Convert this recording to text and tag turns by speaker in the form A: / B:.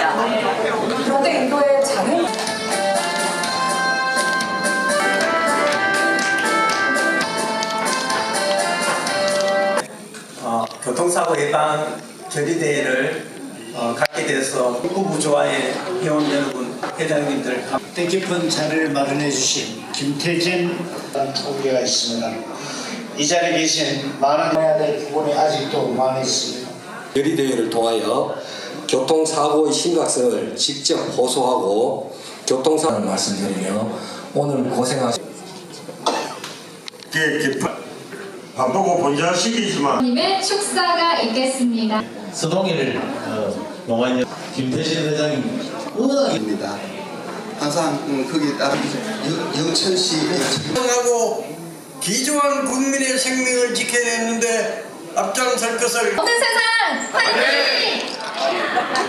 A: 그런데 인도의 장애
B: 교통사고 예방 결의대회를 갖게 돼서 후보조와의 회원 여러분, 회장님들
C: 뜻깊은 자리를 마련해 주신 김태진 후보가 있습니다. 이 자리에 계신 많은 해야 될 부분이 아직도 많이 있습니다.
D: 결의대회를 통하여 교통사고의 심각성을 직접 호소하고 교통사고를 말씀드리며 오늘 고생하신
E: 바쁘고 본전시키지만
F: 님의 축사가 있겠습니다.
G: 서동일 농아인 김태진 회장님
H: 입니다. 항상 거기에 따른 영천시
B: 하고 기조한 국민의 생명을 지켜야 했는데 앞장설 것을
F: 모든 세상 화이팅!